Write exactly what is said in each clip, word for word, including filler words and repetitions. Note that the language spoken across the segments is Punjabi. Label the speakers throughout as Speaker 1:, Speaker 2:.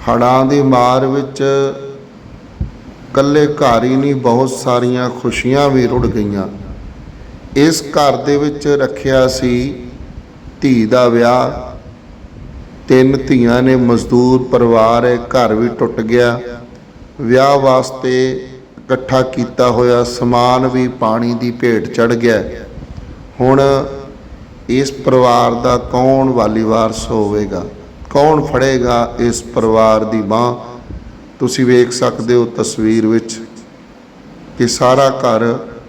Speaker 1: ਹੜ੍ਹਾਂ ਦੀ ਮਾਰ ਵਿੱਚ ਇਕੱਲੇ ਘਰ ਹੀ ਨਹੀਂ, ਬਹੁਤ ਸਾਰੀਆਂ ਖੁਸ਼ੀਆਂ ਵੀ ਰੁੜ ਗਈਆਂ। ਇਸ ਘਰ ਦੇ ਵਿੱਚ ਰੱਖਿਆ ਸੀ ਧੀ ਦਾ ਵਿਆਹ, ਤਿੰਨ ਧੀਆਂ ਨੇ, ਮਜ਼ਦੂਰ ਪਰਿਵਾਰ ਹੈ, ਘਰ ਵੀ ਟੁੱਟ ਗਿਆ। ਵਿਆਹ ਵਾਸਤੇ ਇਕੱਠਾ ਕੀਤਾ ਹੋਇਆ ਸਮਾਨ ਵੀ ਪਾਣੀ ਦੀ ਭੇਟ ਚੜ੍ਹ ਗਿਆ। ਹੁਣ ਇਸ ਪਰਿਵਾਰ ਦਾ ਕੌਣ ਵਾਲੀ ਵਾਰਸ ਹੋਵੇਗਾ? ਕੌਣ ਫੜੇਗਾ ਇਸ ਪਰਿਵਾਰ ਦੀ ਬਾਂਹ? ਤੁਸੀਂ ਵੇਖ ਸਕਦੇ ਹੋ ਤਸਵੀਰ ਵਿੱਚ ਕਿ ਸਾਰਾ ਘਰ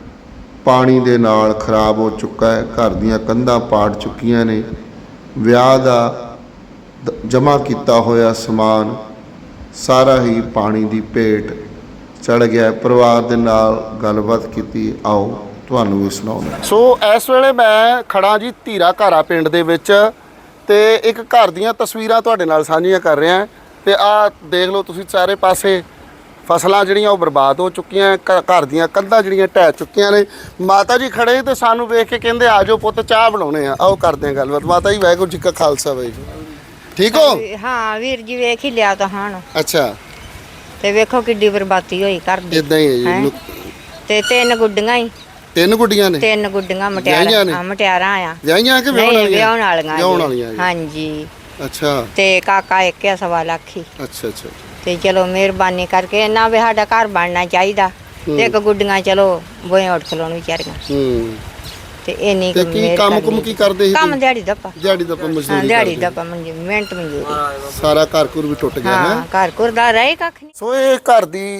Speaker 1: ਪਾਣੀ ਦੇ ਨਾਲ ਖਰਾਬ ਹੋ ਚੁੱਕਾ ਹੈ। ਘਰ ਦੀਆਂ ਕੰਧਾਂ ਪਾੜ ਚੁੱਕੀਆਂ ਨੇ। ਵਿਆਹ ਦਾ ਜਮ੍ਹਾਂ ਕੀਤਾ ਹੋਇਆ ਸਮਾਨ ਸਾਰਾ ਹੀ ਪਾਣੀ ਦੀ ਭੇਟ ਚੜ੍ਹ ਗਿਆ। ਪਰਿਵਾਰ ਦੇ ਨਾਲ ਗੱਲਬਾਤ ਕੀਤੀ, ਆਓ ਤੁਹਾਨੂੰ ਵੀ ਸੁਣਾਉਂਦਾ। ਸੋ ਇਸ ਵੇਲੇ ਮੈਂ ਖੜਾ ਜੀ ਧੀਰਾ ਘਾਰਾ ਪਿੰਡ ਦੇ ਵਿੱਚ, ਤੇ ਇੱਕ ਘਰ ਦੀਆਂ ਤਸਵੀਰਾਂ ਤੁਹਾਡੇ ਨਾਲ ਸਾਂਝੀਆਂ ਕਰ ਰਿਹਾ। ਤੇ ਆਹ ਦੇਖ ਲਓ ਤੁਸੀਂ, ਚਾਰੇ ਪਾਸੇ ਫਸਲਾਂ ਜਿਹੜੀਆਂ ਉਹ ਬਰਬਾਦ ਹੋ ਚੁੱਕੀਆਂ, ਘਰ ਦੀਆਂ ਕੰਧਾਂ ਜਿਹੜੀਆਂ ਢਹਿ ਚੁੱਕੀਆਂ ਨੇ। ਮਾਤਾ ਜੀ ਖੜੇ ਤੇ ਸਾਨੂੰ ਵੇਖ ਕੇ ਕਹਿੰਦੇ ਆ ਜਾਓ ਪੁੱਤ ਚਾਹ ਬਣਾਉਣੇ ਆ, ਆਓ ਕਰਦੇ ਆ ਗੱਲਬਾਤ। ਮਾਤਾ ਜੀ ਵਾਹਿਗੁਰੂ ਜੀ ਕਾ ਖਾਲਸਾ, ਵਾਹਿਗੁਰੂ। ਠੀਕ ਹੋ?
Speaker 2: ਹਾਂ ਵੀਰ ਜੀ, ਵੇਖ ਹੀ ਲਿਆ ਤਾਂ ਹਾਂ।
Speaker 1: ਅੱਛਾ,
Speaker 2: ਤੇ ਵੇਖੋ ਕਿੱਡੀ ਬਰਬਾਦੀ ਹੋਈ ਘਰ ਦੀ।
Speaker 1: ਇਦਾਂ ਹੀ ਹੈ ਜੀ।
Speaker 2: ਤੇ ਤਿੰਨ ਗੁੱਡੀਆਂ ਹੀ
Speaker 1: ਤਿੰਨ ਗੁੱਡੀਆਂ ਨੇ?
Speaker 2: ਤਿੰਨ ਗੁੱਡੀਆਂ ਮਟਿਆਰਾਂ। ਮਟਿਆਰਾਂ ਆ।
Speaker 1: ਵਿਆਹੀਆਂ ਕਿ ਵਿਆਹਣ ਵਾਲੀਆਂ?
Speaker 2: ਵਿਆਹਣ ਵਾਲੀਆਂ।
Speaker 1: ਵਿਆਹਣ ਵਾਲੀਆਂ,
Speaker 2: ਹਾਂਜੀ।
Speaker 1: ਅੱਛਾ।
Speaker 2: ਤੇ ਕਾਕਾ ਇੱਕ ਆ ਸਵਾ ਲੱਖ ਹੀ।
Speaker 1: ਅੱਛਾ ਅੱਛਾ।
Speaker 2: ਤੇ ਚਲੋ ਮਿਹਰਬਾਨੀ ਕਰਕੇ ਇਹਨਾਂ ਵੀ ਸਾਡਾ ਘਰ ਬਣਨਾ ਚਾਹੀਦਾ। ਤੇ ਇੱਕ ਗੁੱਡੀਆਂ ਚਲੋ ਬੋਏ ਉੱਠ ਖਲੋਣ ਵਿਚਾਰੀਆਂ।
Speaker 1: ਹੂੰ। ਤੇ
Speaker 2: ਇੰਨੀ
Speaker 1: ਤੇ ਕੀ ਕੰਮ ਕੁਮ ਕੀ ਕਰਦੇ ਸੀ?
Speaker 2: ਕੰਮ ਦਿਹਾੜੀ ਦੱਪਾ।
Speaker 1: ਦਿਹਾੜੀ ਦੱਪਾ ਮਜ਼ਦੂਰੀ?
Speaker 2: ਦਿਹਾੜੀ ਦੱਪਾ ਮਿਹਨਤ ਮਜ਼ਦੂਰੀ।
Speaker 1: ਸਾਰਾ ਘਰ ਘੁਰ ਵੀ ਟੁੱਟ ਗਿਆ ਹੈ?
Speaker 2: ਘਰ ਘੁਰ ਦਾ ਰਹੇ ਕੱਖ ਨਹੀਂ।
Speaker 1: ਸੋ ਇਹ ਘਰ ਦੀ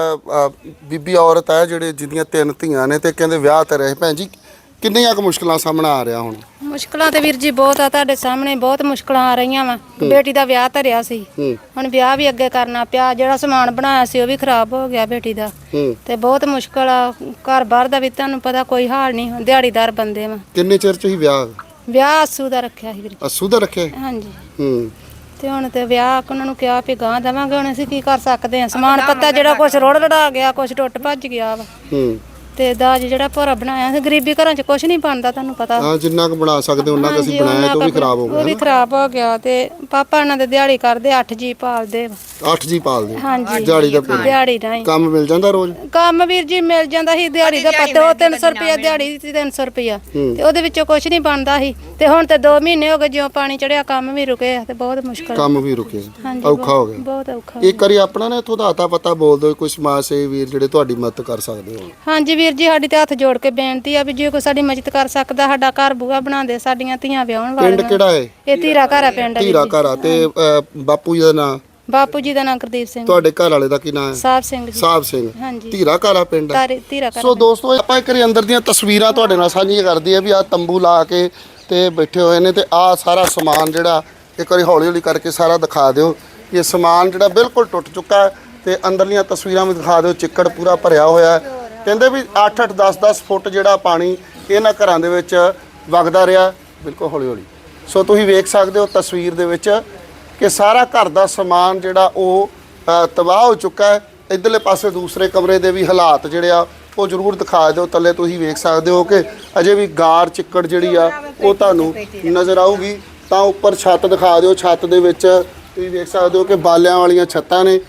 Speaker 1: ਬੀਬੀ ਔਰਤ ਹੈ ਜਿਹੜੇ ਜਿਹਦੀਆਂ ਤਿੰਨ ਧੀਆਂ ਨੇ, ਤੇ ਕਹਿੰਦੇ ਵਿਆਹ ਤੇ ਰਹੇ। ਭੈਣ ਜੀ ਕਿੰਨੀਆਂ ਕੁ ਮੁਸ਼ਕਲਾਂ ਸਾਹਮਣਾ ਆ ਰਿਹਾ ਹੁਣ?
Speaker 3: ਮੁਸ਼ਕਲਾਂ ਤੇ ਵੀਰ ਜੀ ਬਹੁਤ ਆ, ਤੁਹਾਡੇ ਸਾਹਮਣੇ ਬਹੁਤ ਮੁਸ਼ਕਲਾਂ ਆ ਰਹੀਆਂ ਵਾ। ਬੇਟੀ ਦਾ ਵਿਆਹ ਧਰਿਆ ਸੀ, ਹੁਣ ਵਿਆਹ ਵੀ ਅੱਗੇ ਕਰਨਾ ਪਿਆ। ਜਿਹੜਾ ਸਮਾਨ ਬਣਾਇਆ ਸੀ ਉਹ ਵੀ ਖਰਾਬ ਹੋ ਗਿਆ ਬੇਟੀ ਦਾ। ਤੇ ਬਹੁਤ ਮੁਸ਼ਕਲ ਆ। ਘਰ ਬਾਹਰ ਦਾ ਵੀ ਤੁਹਾਨੂੰ ਪਤਾ ਕੋਈ ਹਾਲ ਨਹੀਂ, ਦਿਹਾੜੀਦਾਰ ਬੰਦੇ ਵਾ।
Speaker 1: ਕਿੰਨੇ ਚਿਰ ਚ ਹੀ ਵਿਆਹ?
Speaker 3: ਵਿਆਹ ਅੱਸੂ ਦਾ ਰੱਖਿਆ ਸੀ ਵੀਰ ਜੀ।
Speaker 1: ਅੱਸੂ ਦਾ ਰੱਖਿਆ?
Speaker 3: ਹਾਂਜੀ।
Speaker 1: ਹੂੰ।
Speaker 3: ਤੇ ਹੁਣ ਤੇ ਵਿਆਹ ਉਹਨਾਂ ਨੂੰ ਕਿਹਾ ਵੀ ਗਾਂ ਦੇਵਾਂਗੇ, ਹੁਣ ਅਸੀਂ ਕੀ ਕਰ ਸਕਦੇ ਆ? ਸਮਾਨ ਪੱਤਾ ਜਿਹੜਾ ਕੁਛ ਰੋੜ ਲੜਾ ਗਿਆ, ਕੁਛ ਟੁੱਟ ਭੱਜ ਗਿਆ ਵਾ।
Speaker 1: ਹੂੰ।
Speaker 3: ਤੇ ਦਾਜ ਜਿਹੜਾ ਭੋਰਾ ਬਣਾਇਆ ਸੀ, ਗਰੀਬੀ ਘਰਾਂ 'ਚ ਕੁਛ ਨਹੀਂ ਬਣਦਾ, ਤੁਹਾਨੂੰ ਪਤਾ।
Speaker 1: ਹਾਂ, ਜਿੰਨਾ ਕੁ ਬਣਾ ਸਕਦੇ ਉਹਨਾਂ ਕੁ ਅਸੀਂ ਬਣਾਇਆ, ਤੇ ਉਹ ਵੀ ਖਰਾਬ ਹੋ ਗਿਆ।
Speaker 3: ਉਹ ਵੀ ਖਰਾਬ ਹੋ ਗਿਆ। ਤੇ ਪਾਪਾ ਇਹਨਾਂ ਦੇ ਦਿਹਾੜੀ ਕਰਦੇ, ਅੱਠ ਜੀ ਪਾਲਦੇ।
Speaker 1: ਅੱਠ ਜੀ ਪਾਲਦੇ?
Speaker 3: ਹਾਂਜੀ।
Speaker 1: ਦਿਹਾੜੀ ਦਾ?
Speaker 3: ਦਿਹਾੜੀ ਰਾਹੀਂ
Speaker 1: ਕੰਮ ਮਿਲ ਜਾਂਦਾ ਰੋਜ਼?
Speaker 3: ਕੰਮ ਵੀਰ ਜੀ ਮਿਲ ਜਾਂਦਾ ਸੀ ਦਿਹਾੜੀ ਦਾ ਪੱਤੇ, ਉਹ ਤਿੰਨ ਸੌ ਰੁਪਇਆ ਦਿਹਾੜੀ ਸੀ, ਤਿੰਨ ਸੌ ਰੁਪਇਆ। ਤੇ ਉਹਦੇ ਵਿੱਚੋਂ ਕੁਛ ਨਹੀਂ ਬਣਦਾ ਸੀ। ਤੇ ਹੁਣ ਤੇ ਦੋ ਮਹੀਨੇ ਹੋ ਗਏ ਜਿਉਂ ਪਾਣੀ ਚੜਿਆ, ਕੰਮ ਵੀ ਰੁਕੇ ਆ। ਤੇ ਬਹੁਤ ਮੁਸ਼ਕਲ,
Speaker 1: ਕੰਮ ਵੀ ਰੁਕੇ, ਔਖਾ ਹੋ ਗਿਆ।
Speaker 3: ਬਹੁਤ ਔਖਾ।
Speaker 1: ਇੱਕ ਵਾਰੀ ਆਪਣਾ ਨਾ ਇੱਥੋਂ ਦਾ ਅਤਾ ਪਤਾ ਬੋਲ ਦਿਓ, ਕੋਈ ਸਮਾਜ ਸੇਵੀ ਵੀਰ ਜਿਹੜੇ ਤੁਹਾਡੀ ਮਦਦ ਕਰ ਸਕਦੇ ਹੋ।
Speaker 3: ਹਾਂਜੀ ਵੀਰ ਜੀ, ਸਾਡੀ ਤੇ ਹੱਥ ਜੋੜ ਕੇ ਬੇਨਤੀ ਆ ਵੀ ਜੇ ਕੋਈ ਸਾਡੀ ਮਦਦ ਕਰ ਸਕਦਾ, ਸਾਡਾ ਘਰ ਬੂਹਾ ਬਣਾ ਦੇ, ਸਾਡੀਆਂ ਧੀਆਂ ਵਿਆਹਣ ਵਾਲੀਆਂ।
Speaker 1: ਪਿੰਡ ਕਿਹੜਾ ਹੈ?
Speaker 3: ਇਹ ਧੀਰਾ ਘਾਰਾ ਪਿੰਡ।
Speaker 1: ਧੀਰਾ ਘਾਰਾ। ਤੇ ਬਾਪੂ ਜੀ ਦਾ ਨਾਮ?
Speaker 3: ਬਾਪੂ ਜੀ ਦਾ ਨਾਮ ਗੁਰਦੀਪ ਸਿੰਘ।
Speaker 1: ਤੁਹਾਡੇ ਘਰ ਵਾਲੇ ਦਾ ਕੀ ਨਾਮ ਹੈ?
Speaker 3: ਸਾਹਿਬ ਸਿੰਘ ਜੀ।
Speaker 1: ਸਾਹਿਬ ਸਿੰਘ।
Speaker 3: ਹਾਂਜੀ।
Speaker 1: ਧੀਰਾ ਘਾਰਾ ਪਿੰਡ ਹੈ।
Speaker 3: ਧੀਰਾ ਘਾਰਾ।
Speaker 1: ਸੋ ਦੋਸਤੋ, ਆਪਾਂ ਇੱਕ ਵਾਰੀ ਅੰਦਰ ਦੀਆਂ ਤਸਵੀਰਾਂ ਤੁਹਾਡੇ ਨਾਲ ਸਾਂਝੀਆਂ ਕਰਦੇ ਆ ਵੀ ਆਹ ਤੰਬੂ ਲਾ ਕੇ ਤੇ ਬੈਠੇ ਹੋਏ ਨੇ, ਤੇ ਆਹ ਸਾਰਾ ਸਮਾਨ ਜਿਹੜਾ ਇੱਕ ਵਾਰੀ ਹੌਲੀ ਹੌਲੀ ਕਰਕੇ ਸਾਰਾ ਦਿਖਾ ਦਿਓ। ਇਹ ਸਮਾਨ ਜਿਹੜਾ ਬਿਲਕੁਲ ਟੁੱਟ ਚੁੱਕਾ ਹੈ, ਤੇ ਅੰਦਰਲੀਆਂ ਤਸਵੀਰਾਂ ਵੀ ਦਿਖਾ ਦਿਓ। ਚਿੱਕੜ ਪੂਰਾ ਭਰਿਆ ਹੋਇਆ ਹੈ। ਕਹਿੰਦੇ ਵੀ ਅੱਠ ਅੱਠ ਦਸ ਦਸ ਫੁੱਟ ਜਿਹੜਾ ਪਾਣੀ ਇਹਨਾਂ ਘਰਾਂ ਦੇ ਵਿੱਚ ਵਗਦਾ ਰਿਹਾ, ਬਿਲਕੁਲ ਹੌਲੀ ਹੌਲੀ। ਸੋ ਤੁਸੀਂ ਵੇਖ ਸਕਦੇ ਹੋ ਤਸਵੀਰ ਦੇ ਵਿੱਚ ਕਿ ਸਾਰਾ ਘਰ ਦਾ ਸਮਾਨ ਜਿਹੜਾ ਉਹ ਤਬਾਹ ਹੋ ਚੁੱਕਾ ਹੈ। ਇੱਧਰਲੇ ਪਾਸੇ ਦੂਸਰੇ ਕਮਰੇ ਦੇ ਵੀ ਹਾਲਾਤ ਜਿਹੜੇ ਆ ਉਹ ਜ਼ਰੂਰ ਦਿਖਾ ਦਿਓ। ਥੱਲੇ ਤੁਸੀਂ ਵੇਖ ਸਕਦੇ ਹੋ ਕਿ ਅਜੇ ਵੀ ਗਾਰ ਚਿੱਕੜ ਜਿਹੜੀ ਆ ਉਹ ਤੁਹਾਨੂੰ ਨਜ਼ਰ ਆਊਗੀ। ਤਾਂ ਉੱਪਰ ਛੱਤ ਦਿਖਾ ਦਿਓ। ਛੱਤ ਦੇ ਵਿੱਚ ਤੁਸੀਂ ਵੇਖ ਸਕਦੇ ਹੋ ਕਿ ਬਾਲਿਆਂ ਵਾਲੀਆਂ ਛੱਤਾਂ ਨੇ,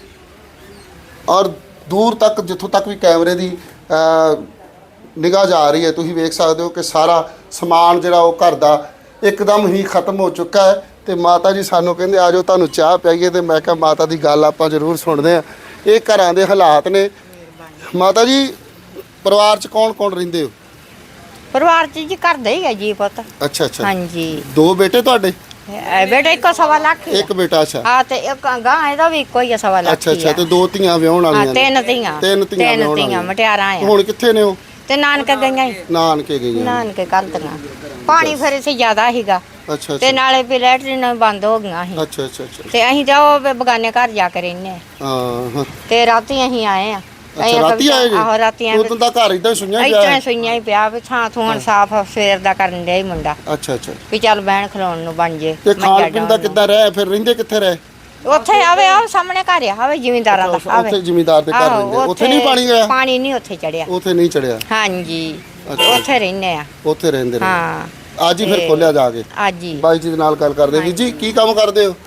Speaker 1: ਔਰ ਦੂਰ ਤੱਕ ਜਿੱਥੋਂ ਤੱਕ ਵੀ ਕੈਮਰੇ ਦੀ ਨਿਗਾਹ ਜਾ ਰਹੀ ਹੈ, ਤੁਸੀਂ ਵੇਖ ਸਕਦੇ ਹੋ ਕਿ ਸਾਰਾ ਸਮਾਨ ਜਿਹੜਾ ਉਹ ਘਰ ਦਾ ਇੱਕਦਮ ਹੀ ਖਤਮ ਹੋ ਚੁੱਕਾ ਹੈ। ਤੇ ਮਾਤਾ ਜੀ ਸਾਨੂੰ ਕਹਿੰਦੇ ਆ ਜਾਓ ਤੁਹਾਨੂੰ ਚਾਹ ਪਿਆਈਏ, ਤੇ ਮੈਂ ਕਿਹਾ ਮਾਤਾ ਦੀ ਗੱਲ ਆਪਾਂ ਜ਼ਰੂਰ ਸੁਣਦੇ ਹਾਂ। ਇਹ ਘਰਾਂ ਦੇ ਹਾਲਾਤ ਨੇ। ਮਾਤਾ ਜੀ ਪਰਿਵਾਰ 'ਚ ਕੌਣ ਕੌਣ ਰਹਿੰਦੇ ਹੋ?
Speaker 2: ਪਰਿਵਾਰ 'ਚ ਜੀ ਘਰ ਦਾ ਹੀ ਹੈ ਜੀ ਪੁੱਤ।
Speaker 1: ਅੱਛਾ ਅੱਛਾ।
Speaker 2: ਹਾਂਜੀ।
Speaker 1: ਦੋ ਬੇਟੇ ਤੁਹਾਡੇ?
Speaker 2: ਬੇਟਾ ਇੱਕੋ ਸਵਾ ਲੱਖ।
Speaker 1: ਇੱਕ ਬੇਟਾ? ਅੱਛਾ।
Speaker 2: ਹਾਂ, ਤੇ ਇੱਕ ਗਾਂ ਇਹਦਾ ਵੀ ਇੱਕੋ ਹੀ ਆ, ਸਵਾ ਲੱਖ।
Speaker 1: ਅੱਛਾ ਅੱਛਾ। ਤੇ ਦੋ ਧੀਆਂ ਵਿਆਹਣ ਵਾਲੀਆਂ?
Speaker 2: ਤਿੰਨ ਧੀਆਂ।
Speaker 1: ਤਿੰਨ ਧੀਆਂ ਵਿਆਹਣ ਵਾਲੀਆਂ
Speaker 2: ਮਟਿਆਰਾਂ ਆ।
Speaker 1: ਹੁਣ ਕਿੱਥੇ ਨੇ ਉਹ?
Speaker 2: ਤੇ ਨਾਨਕੇ ਗਈਆਂ ਹੀ।
Speaker 1: ਨਾਨਕੇ ਗਈਆਂ? ਨਾਨਕੇ
Speaker 2: ਕੱਲ੍ਹ ਪਾਣੀ ਫਿਰ ਇੱਥੇ ਜ਼ਿਆਦਾ ਸੀਗਾ।
Speaker 1: ਅੱਛਾ।
Speaker 2: ਤੇ ਨਾਲੇ ਵੀ ਲੈਟਰੀਨ ਬੰਦ ਹੋ ਗਈਆਂ ਸੀ।
Speaker 1: ਅੱਛਾ ਅੱਛਾ ਅੱਛਾ।
Speaker 2: ਤੇ ਅਸੀਂ ਤਾਂ ਉਹ ਬਗਾਨੇ ਘਰ ਜਾ ਕੇ ਰਹਿੰਦੇ
Speaker 1: ਹਾਂ। ਤੇ
Speaker 2: ਰਾਤੀ ਅਸੀਂ ਆਏ ਆ।
Speaker 1: ਅੱਛਾ, ਰਾਤੀ ਆਏ ਜੀ?
Speaker 2: ਆਹੋ, ਰਾਤੀ ਆਏ।
Speaker 1: ਉਦੋਂ ਦਾ ਘਰ ਇਦਾਂ ਸੁਈਆਂ ਪਿਆ?
Speaker 2: ਇਦਾਂ ਸੁਈਆਂ ਹੀ ਪਿਆ ਵੀ ਥਾਂ ਥੂਣ ਸਾਫ਼ ਸਵੇਰ ਦਾ ਕਰਨ ਡਿਆ ਹੀ ਮੁੰਡਾ।
Speaker 1: ਅੱਛਾ ਅੱਛਾ।
Speaker 2: ਵੀ ਚੱਲ ਬਹਿਣ ਖਲੋਣ ਨੂੰ ਬਣ ਜੇ।
Speaker 1: ਤੇ ਖਾਣ ਪੀਣ ਦਾ ਕਿੱਦਾਂ ਰਹਿ? ਫਿਰ ਰਹਿੰਦੇ ਕਿੱਥੇ ਰਹੇ?
Speaker 2: ਉੱਥੇ ਆਵੇ ਆ ਸਾਹਮਣੇ ਘਰ ਆ, ਆਵੇ ਜ਼ਿਮੀਂਦਾਰਾਂ ਦਾ। ਆਵੇ
Speaker 1: ਉੱਥੇ ਜ਼ਿਮੀਂਦਾਰ ਦੇ ਘਰ ਰਹਿੰਦੇ? ਉੱਥੇ ਨਹੀਂ ਪਾਣੀ ਗਿਆ?
Speaker 2: ਪਾਣੀ ਨਹੀਂ ਉੱਥੇ ਚੜਿਆ।
Speaker 1: ਉੱਥੇ ਨਹੀਂ ਚੜਿਆ?
Speaker 2: ਹਾਂਜੀ, ਉੱਥੇ ਰਹਿੰਦੇ ਆ।
Speaker 1: ਉੱਥੇ ਰਹਿੰਦੇ ਨੇ?
Speaker 2: ਹਾਂ।
Speaker 1: ਅੱਜ ਹੀ ਫਿਰ ਖੋਲਿਆ ਜਾ ਕੇ?
Speaker 2: ਅੱਜ ਹੀ।
Speaker 1: ਬਾਈ ਜੀ ਦੇ ਨਾਲ ਗੱਲ ਕਰਦੇ। ਵੀਰ ਜੀ ਕੀ ਕੰਮ ਕਰਦੇ ਹੋ?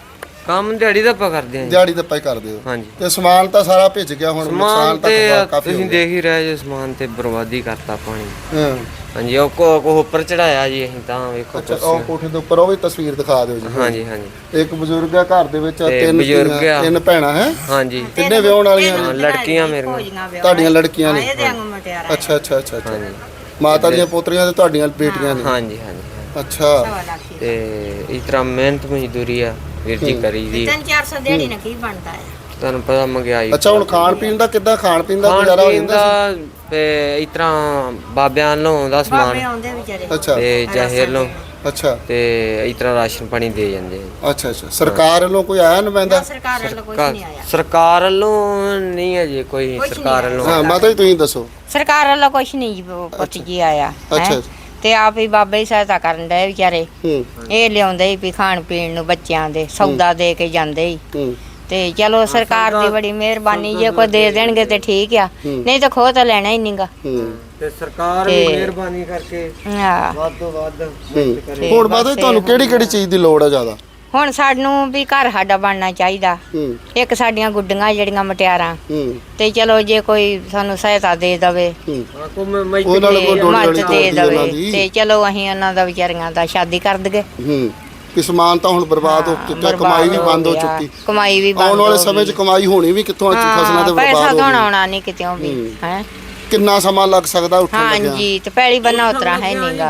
Speaker 4: ਕੰਮ ਦਿਹਾੜੀ ਦਾ ਆਪਾਂ ਕਰਦੇ ਹਾਂ ਜੀ।
Speaker 1: ਦਿਹਾੜੀ ਦੱਪਾ ਹੀ ਕਰਦੇ ਹੋ
Speaker 4: ਹਾਂਜੀ
Speaker 1: ਤੇ ਸਮਾਨ ਤਾਂ ਸਾਰਾ ਭਿੱਜ ਗਿਆ ਹੁਣ
Speaker 4: ਸਮਾਨ
Speaker 1: ਨੁਕਸਾਨ
Speaker 4: ਤੇ
Speaker 1: ਤਾਂ ਕਾਫੀ
Speaker 4: ਤੁਸੀਂ
Speaker 1: ਹੋ ਗਿਆ
Speaker 4: ਦੇਖ ਹੀ ਰਹੇ ਜੇ ਸਮਾਨ ਤੇ ਬਰਬਾਦੀ ਕਰਤਾ ਪਾਣੀ।
Speaker 1: ਹਾਂ
Speaker 4: ਹਾਂਜੀ ਉਹ ਕੋ ਕੋ ਉੱਪਰ ਚੜਾਇਆ ਜੀ ਅਸੀਂ ਤਾਂ ਵੇਖੋ
Speaker 1: ਅੱਛਾ ਉਹ
Speaker 4: ਕੁਰਸੀਆਂ।
Speaker 1: ਕੋਠੇ ਦੇ ਉੱਪਰ ਉਹ ਵੀ ਤਸਵੀਰ ਦਿਖਾ ਦਿਓ ਜੀ
Speaker 4: ਹਾਂਜੀ ਹਾਂਜੀ
Speaker 1: ਇੱਕ ਬਜ਼ੁਰਗ ਆ ਘਰ ਦੇ ਵਿੱਚ
Speaker 4: ਤੇ
Speaker 1: ਤਿੰਨ
Speaker 4: ਬਜ਼ੁਰਗ
Speaker 1: ਧੀਆਂ,
Speaker 4: ਆ।
Speaker 1: ਤਿੰਨ ਭੈਣਾਂ ਹੈ
Speaker 4: ਹਾਂਜੀ
Speaker 1: ਕਿੰਨੇ ਵਿਆਹਣ ਵਾਲੀਆਂ ਨੇ
Speaker 4: ਹਾਂ, ਲੜਕੀਆਂ ਮੇਰੀਆਂ
Speaker 1: ਤੁਹਾਡੀਆਂ ਲੜਕੀਆਂ ਨੇ
Speaker 2: ਇਹਦੇ ਵਾਂਗੂ ਮਟਿਆਰਾ
Speaker 1: ਅੱਛਾ ਅੱਛਾ ਅੱਛਾ ਅੱਛਾ
Speaker 4: ਹਾਂਜੀ
Speaker 1: ਮਾਤਾ ਦੀਆਂ ਪੋਤਰੀਆਂ ਤੇ ਤੁਹਾਡੀਆਂ ਬੇਟੀਆਂ ਨੇ
Speaker 4: ਹਾਂਜੀ ਹਾਂਜੀ
Speaker 1: ਅੱਛਾ
Speaker 4: ਤੇ ਇਸ ਤਰ੍ਹਾਂ ਮਿਹਨਤ ਮਜ਼ਦੂਰੀ ਆ ਵੀਰ ਜੀ ਕਰੀ ਦੀ
Speaker 2: ਤਿੰਨ ਚਾਰ ਸੌ ਦਿਹਾੜੀ ਨਾਲ ਕੀ ਬਣਦਾ ਹੈ?
Speaker 4: ਤੁਹਾਨੂੰ ਪਤਾ ਮਹਿੰਗਾਈ
Speaker 1: ਅੱਛਾ ਹੁਣ ਖਾਣ ਪੀਣ ਦਾ ਕਿੱਦਾਂ ਖਾਣ ਪੀਣ ਦਾ
Speaker 4: ਖਾਣ
Speaker 1: ਗੁਜ਼ਾਰਾ ਹੋ
Speaker 4: ਪੀਣ
Speaker 1: ਜਾਂਦਾ
Speaker 4: ਦਾ ਤੇ ਇਸ ਤਰ੍ਹਾਂ ਬਾਬਿਆਂ ਵੱਲੋਂ ਆਉਂਦਾ
Speaker 2: ਬਾਬੇ
Speaker 4: ਸਮਾਨ
Speaker 2: ਆਉਂਦੇ ਵਿਚਾਰੇ
Speaker 1: ਅੱਛਾ
Speaker 4: ਤੇ ਜ਼ਾਹਿਰ ਵੱਲੋਂ
Speaker 1: ਸੀ ਅੱਛਾ
Speaker 4: ਤੇ ਇਸ ਤਰ੍ਹਾਂ ਰਾਸ਼ਨ ਪਾਣੀ ਦੇ ਜਾਂਦੇ ਆ।
Speaker 1: ਅੱਛਾ ਅੱਛਾ ਸਰਕਾਰ ਵੱਲੋਂ ਕੋਈ ਆਇਆ ਨੁਮਾਇੰਦਾ
Speaker 2: ਸਰਕਾਰ ਵੱਲੋਂ ਕੁਝ ਨਹੀਂ ਆਇਆ।
Speaker 4: ਸਰਕਾਰ ਵੱਲੋਂ ਨਹੀਂ ਹੈ ਜੀ ਕੋਈ ਸਰਕਾਰ ਵੱਲੋਂ
Speaker 1: ਹਾਂ ਮਾਤਾ ਜੀ ਤੁਸੀਂ ਦੱਸੋ
Speaker 2: ਸਰਕਾਰ ਵੱਲੋਂ ਕੁਝ ਨਹੀਂ ਜੀ ਪੁੱਤ ਜੀ ਆਇਆ ਹੈਂ।
Speaker 1: ਅੱਛਾ
Speaker 2: ਤੇ ਆਪ ਹੀ ਬਾਬੇ ਹੀ ਸਹਾਇਤਾ ਕਰਨ ਦੇ ਵਿਚਾਰੇ
Speaker 1: ਹੂੰ
Speaker 2: ਇਹ ਲਿਆਉਂਦੇ ਹੀ ਵੀ ਖਾਣ ਪੀਣ ਨੂੰ ਬੱਚਿਆਂ ਦੇ ਸੌਦਾ ਦੇ ਕੇ ਜਾਂਦੇ ਹੀ
Speaker 1: ਹੂੰ
Speaker 2: ਤੇ ਚਲੋ ਸਰਕਾਰ ਦੀ ਬੜੀ ਮਿਹਰਬਾਨੀ ਜੇ ਕੋਈ ਦੇ ਦੇਣਗੇ ਤੇ ਠੀਕ ਆ ਨਹੀਂ ਤਾਂ ਖੋ ਤਾਂ ਲੈਣਾ ਹੀ ਨਹੀਂਗਾ।
Speaker 1: ਹੂੰ
Speaker 4: ਤੇ ਸਰਕਾਰ ਵੀ ਮਿਹਰਬਾਨੀ ਕਰਕੇ
Speaker 2: ਹਾਂ
Speaker 4: ਵੱਧ ਤੋਂ ਵੱਧ
Speaker 1: ਹੂੰ। ਹੁਣ ਮਾਤਾ ਜੀ ਤੁਹਾਨੂੰ ਕਿਹੜੀ ਕਿਹੜੀ ਚੀਜ਼ ਦੀ ਲੋੜ ਹੈ ਜ਼ਿਆਦਾ
Speaker 2: ਹੁਣ ਸਾਨੂੰ ਵੀ ਘਰ ਸਾਡਾ ਬਣਨਾ ਚਾਹੀਦਾ।
Speaker 1: ਹੂੰ
Speaker 2: ਇੱਕ ਸਾਡੀਆਂ ਗੁੱਡੀਆਂ ਜਿਹੜੀਆਂ ਮਟਿਆਰਾਂ
Speaker 1: ਹੂੰ
Speaker 2: ਤੇ ਚਲੋ ਜੇ ਕੋਈ ਸਾਨੂੰ ਸਹਾਇਤਾ ਦੇ ਦਵੇ
Speaker 1: ਹੂੰ
Speaker 4: ਕੋਈ
Speaker 1: ਉਹਨਾਂ ਨੂੰ ਕੋਈ ਡੋਲੀ
Speaker 2: ਮਦਦ
Speaker 1: ਵਾਲੀ
Speaker 2: ਦੇ
Speaker 1: ਤੋੜਦੀ ਉਹਨਾਂ
Speaker 2: ਦਵੇ
Speaker 1: ਦੀ
Speaker 2: ਤੇ ਚਲੋ ਅਸੀਂ ਉਹਨਾਂ ਦਾ ਵਿਚਾਰੀਆਂ ਦਾ ਸ਼ਾਦੀ ਕਰ ਦਗੇ।
Speaker 1: ਹੂੰ ਕਿ ਸਮਾਨ ਤਾਂ ਹੁਣ ਬਰਬਾਦ ਹੋ ਚੁੱਕਾ ਕਮਾਈ ਵੀ ਬੰਦ ਹੋ ਚੁੱਕੀ
Speaker 2: ਕਮਾਈ ਵੀ ਬੰਦ
Speaker 1: ਆਉਣ ਵਾਲੇ ਸਮੇਂ 'ਚ ਕਮਾਈ ਹੋਣੀ ਵੀ ਕਿੱਥੋਂ ਆ ਫਸਲਾਂ ਤੇ
Speaker 2: ਪੈਸਾ
Speaker 1: ਬਰਬਾਦ
Speaker 2: ਤਾਂ
Speaker 1: ਹੋ ਗਈ
Speaker 2: ਆਉਣਾ ਨਹੀਂ ਕਿਤੇੋਂ ਵੀ ਹੈ।
Speaker 1: ਕਿੰਨਾ ਸਮਾਂ ਲੱਗ ਸਕਦਾ ਉੱਠਣ ਲੱਗਿਆ
Speaker 2: ਹਾਂਜੀ ਤੇ ਪਹਿਲੀ ਬੰਨਾ ਉਤਰਾ ਹੈ ਨਹੀਂਗਾ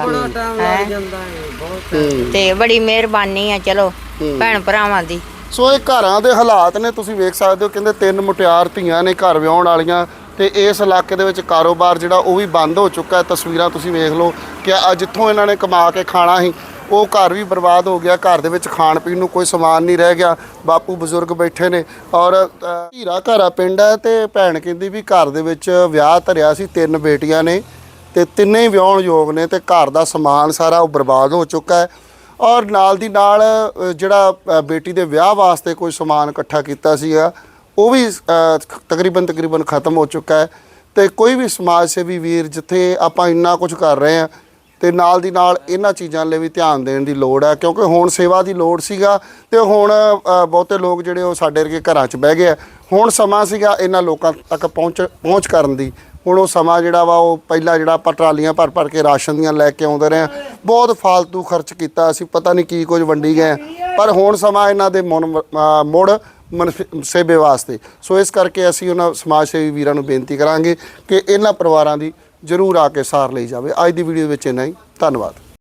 Speaker 1: ਹੂੰ
Speaker 2: ਤੇ ਬੜੀ ਮਿਹਰਬਾਨੀ ਆ ਚਲੋ ਭੈਣ ਭਰਾਵਾਂ ਦੀ।
Speaker 1: ਸੋ ਇਹ ਘਰਾਂ ਦੇ ਹਾਲਾਤ ਨੇ ਤੁਸੀਂ ਵੇਖ ਸਕਦੇ ਹੋ ਕਹਿੰਦੇ ਤਿੰਨ ਮੁਟਿਆਰ ਧੀਆਂ ਨੇ ਘਰ ਵਿਆਹੁਣ ਵਾਲੀਆਂ ਤੇ ਇਸ ਇਲਾਕੇ ਦੇ ਵਿੱਚ ਕਾਰੋਬਾਰ ਜਿਹੜਾ ਉਹ ਵੀ ਬੰਦ ਹੋ ਚੁੱਕਾ ਹੈ। ਤਸਵੀਰਾਂ ਤੁਸੀਂ ਵੇਖ ਲਓ ਕਿ ਆ ਜਿੱਥੋਂ ਇਹਨਾਂ ਨੇ ਕਮਾ ਕੇ ਖਾਣਾ ਸੀ ਉਹ ਘਰ ਵੀ ਬਰਬਾਦ ਹੋ ਗਿਆ। ਘਰ ਦੇ ਵਿੱਚ ਖਾਣ ਪੀਣ ਨੂੰ ਕੋਈ ਸਮਾਨ ਨਹੀਂ ਰਹਿ ਗਿਆ। ਬਾਪੂ ਬਜ਼ੁਰਗ ਬੈਠੇ ਨੇ ਔਰ ਹੀਰਾ ਘਰਾ ਪਿੰਡ ਹੈ ਤੇ ਭੈਣ ਕਹਿੰਦੀ ਵੀ ਘਰ ਦੇ ਵਿੱਚ ਵਿਆਹ ਧਰਿਆ ਸੀ, ਤਿੰਨ ਬੇਟੀਆਂ ਨੇ ਤੇ ਤਿੰਨੇ ਹੀ ਵਿਆਹੁਣ ਯੋਗ ਨੇ ਤੇ ਘਰ ਦਾ ਸਮਾਨ ਸਾਰਾ ਉਹ ਬਰਬਾਦ ਹੋ ਚੁੱਕਾ ਹੈ। ਔਰ ਨਾਲ ਦੀ ਨਾਲ ਜਿਹੜਾ ਬੇਟੀ ਦੇ ਵਿਆਹ ਵਾਸਤੇ ਕੋਈ ਸਮਾਨ ਇਕੱਠਾ ਕੀਤਾ ਸੀਗਾ ਉਹ ਵੀ ਤਕਰੀਬਨ ਤਕਰੀਬਨ ਖਤਮ ਹੋ ਚੁੱਕਾ ਹੈ। ਤੇ ਕੋਈ ਵੀ ਸਮਾਜ ਸੇਵੀ ਵੀਰ ਜਿੱਥੇ ਆਪਾਂ ਇੰਨਾ ਕੁਝ ਕਰ ਰਹੇ ਹਾਂ ਤੇ ਨਾਲ ਦੀ ਨਾਲ ਇਹਨਾਂ ਚੀਜ਼ਾਂ ਲਈ ਵੀ ਧਿਆਨ ਦੇਣ ਦੀ ਲੋੜ ਹੈ ਕਿਉਂਕਿ ਹੁਣ ਸੇਵਾ ਦੀ ਲੋੜ ਸੀਗਾ ਤੇ ਹੁਣ ਬਹੁਤੇ ਲੋਕ ਜਿਹੜੇ ਉਹ ਸਾਡੇ ਵਰਗੇ ਘਰਾਂ 'ਚ ਬਹਿ ਗਏ ਆ। ਹੁਣ ਸਮਾਂ ਸੀਗਾ ਇਹਨਾਂ ਲੋਕਾਂ ਤੱਕ ਪਹੁੰਚ ਪਹੁੰਚ ਕਰਨ ਦੀ। ਹੁਣ ਉਹ ਸਮਾਂ ਜਿਹੜਾ ਵਾ ਉਹ ਪਹਿਲਾਂ ਜਿਹੜਾ ਆਪਾਂ ਟਰਾਲੀਆਂ ਭਰ ਭਰ ਕੇ ਰਾਸ਼ਨ ਦੀਆਂ ਲੈ ਕੇ ਆਉਂਦੇ ਰਹੇ ਬਹੁਤ ਫਾਲਤੂ ਖਰਚ ਕੀਤਾ ਅਸੀਂ ਪਤਾ ਨਹੀਂ ਕੀ ਕੁਝ ਵੰਡੀ ਗਏ ਪਰ ਹੁਣ ਸਮਾਂ ਇਹਨਾਂ ਦੇ ਮੁੜ ਸੇਵੇ ਵਾਸਤੇ। ਸੋ ਇਸ ਕਰਕੇ ਅਸੀਂ ਉਹਨਾਂ ਸਮਾਜ ਸੇਵੀ ਵੀਰਾਂ ਨੂੰ ਬੇਨਤੀ ਕਰਾਂਗੇ ਕਿ ਇਹਨਾਂ ਪਰਿਵਾਰਾਂ ਦੀ ਜ਼ਰੂਰ ਆ ਕੇ ਸਾਰ ਲਈ ਜਾਵੇ। ਅੱਜ ਦੀ ਵੀਡੀਓ ਵਿੱਚ ਇੰਨਾ ਹੀ। ਧੰਨਵਾਦ।